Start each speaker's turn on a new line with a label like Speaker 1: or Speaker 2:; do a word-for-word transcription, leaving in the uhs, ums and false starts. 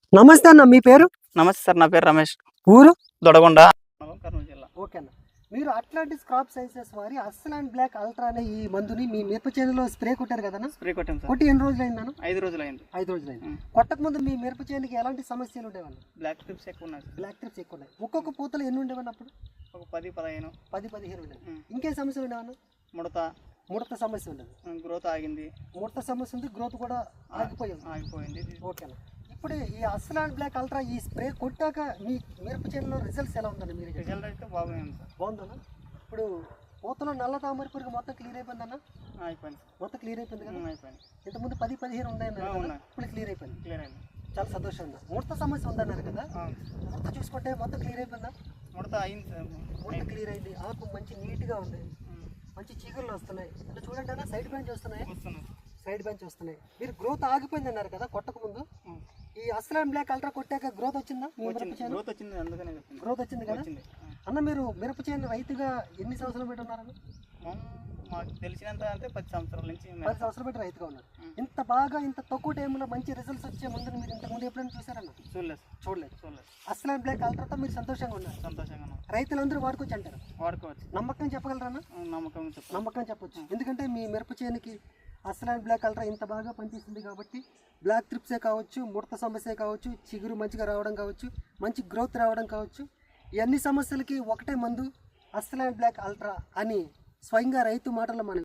Speaker 1: నమస్తే అన్న, మీ పేరు?
Speaker 2: నమస్తే సార్, నా పేరు రమేష్.
Speaker 1: ఊరు?
Speaker 2: దొడగొండ, కర్నూలు జిల్లా.
Speaker 1: ఓకే అన్న, మీరు అట్లాంటిస్ క్రాప్ సైన్సెస్ వారి అస్లాన్ బ్లాక్ అల్ట్రా అనే ఈ మందుని మీ మిరప చేనులో స్ప్రే కొట్టారు కదా?
Speaker 2: స్ప్రే కొట్టాం సార్.
Speaker 1: కొట్టి ఎన్ని రోజులు అయిందన్న?
Speaker 2: ఐదు రోజులు అయింది.
Speaker 1: ఐదు రోజులు అయింది. కొట్టక ముందు మీ మిరప చేనుకి ఎలాంటి సమస్యలు ఉండేవన్న?
Speaker 2: బ్లాక్ ట్రిప్స్ ఎక్కువ ఉన్నాయి.
Speaker 1: బ్లాక్ ట్రిప్స్ ఎక్కువ ఉన్నాయి. ఒక్కొక్క పూతలు ఎన్ని ఉండేవన్న అప్పుడు?
Speaker 2: ఒక పది పదిహేను
Speaker 1: పది పదిహేను ఉండేవి. ఇంకేం సమస్యలు ఉండేవన్న?
Speaker 2: ముడత
Speaker 1: ముడత సమస్య ఉండదు.
Speaker 2: గ్రోత్ ఆగింది.
Speaker 1: ముడత సమస్య ఉంది, గ్రోత్ కూడా ఆగిపోయింది.
Speaker 2: ఆగిపోయింది.
Speaker 1: ఓకే అన్న, ఇప్పుడు ఈ అస్లాన్ బ్లాక్ అల్ట్రా ఈ స్ప్రే కొట్టాక మీ మిరప చేనులో రిజల్ట్స్ ఎలా ఉందన్న? మీరు
Speaker 2: రిజల్ట్ అయితే బాగుంది సార్.
Speaker 1: బాగుందన్న. ఇప్పుడు పూతలో నల్ల తామర పురుగు మొత్తం క్లియర్ అయిపోయిందన్న?
Speaker 2: అయిపోయింది.
Speaker 1: మొత్తం క్లియర్ అయిపోయింది కదా?
Speaker 2: అయిపోయింది.
Speaker 1: ఇంతకుముందు పది పదిహేను ఉన్నాయన్న, ఇప్పుడు క్లియర్ అయిపోయింది.
Speaker 2: క్లియర్ అయింది.
Speaker 1: చాలా సంతోషం ఉందా? ముడత సమస్య ఉందన్నారు కదా, ముడత చూసుకుంటే మొత్తం క్లియర్ అయిపోయిందా?
Speaker 2: ముడత అయింది సార్.
Speaker 1: ముడత క్లియర్ అయింది. ఆకు మంచి నీట్గా ఉంది, మంచి చీకర్లు వస్తున్నాయి. అంటే చూడండి అన్న, సైడ్ బెంచ్ వస్తున్నాయి, సైడ్ బెంచ్ వస్తున్నాయి. మీరు గ్రోత్ ఆగిపోయింది అన్నారు కదా కొట్టక ముందు. ఈ అస్లాన్ బ్లాక్ అల్ట్రా కొట్టాక గ్రోత్ వచ్చిందా?
Speaker 2: గ్రోత్ వచ్చింది, అందుకనే
Speaker 1: గ్రోత్ వచ్చింది కదా అన్న. మీరు మిరప చేను రైతుగా ఎన్ని సంవత్సరాలు పెట్టి ఉన్నారన్న?
Speaker 2: మాకు తెలిసినంత అంటే పది సంవత్సరాల నుంచి
Speaker 1: పది సంవత్సరాలు పెట్టి రైతుగా ఉన్నారు. ఇంత బాగా ఇంత తక్కువ టైంలో మంచి రిజల్ట్స్ వచ్చే ముందు మీరు ఇంతకు ముందు ఎప్పుడైనా చూసారన్న?
Speaker 2: చూడలేదు.
Speaker 1: చూడలేదు.
Speaker 2: చూడలేదు.
Speaker 1: అస్లాన్ బ్లాక్ అల్ట్రాతో మీరు సంతోషంగా ఉన్నారు.
Speaker 2: సంతోషంగా ఉన్నాం.
Speaker 1: రైతులందరూ వాడుకోవచ్చు అంటారు?
Speaker 2: వాడుకోవచ్చు.
Speaker 1: నమ్మకం చెప్పగలరన్నా?
Speaker 2: నమ్మకం చెప్పు
Speaker 1: నమ్మకం చెప్పొచ్చు. ఎందుకంటే మీ మిరప చేనుకి అస్లాన్ బ్లాక్ అల్ట్రా ఇంత బాగా పనిచేస్తుంది కాబట్టి బ్లాక్ ట్రిప్సే కావచ్చు, ముడత సమస్య కావచ్చు, చిగురు మంచిగా రావడం కావచ్చు, మంచి గ్రోత్ రావడం కావచ్చు, ఈ అన్ని సమస్యలకి ఒకటే మందు అస్లాన్ బ్లాక్ అల్ట్రా అని స్వయంగా రైతు మాటల్లో మనం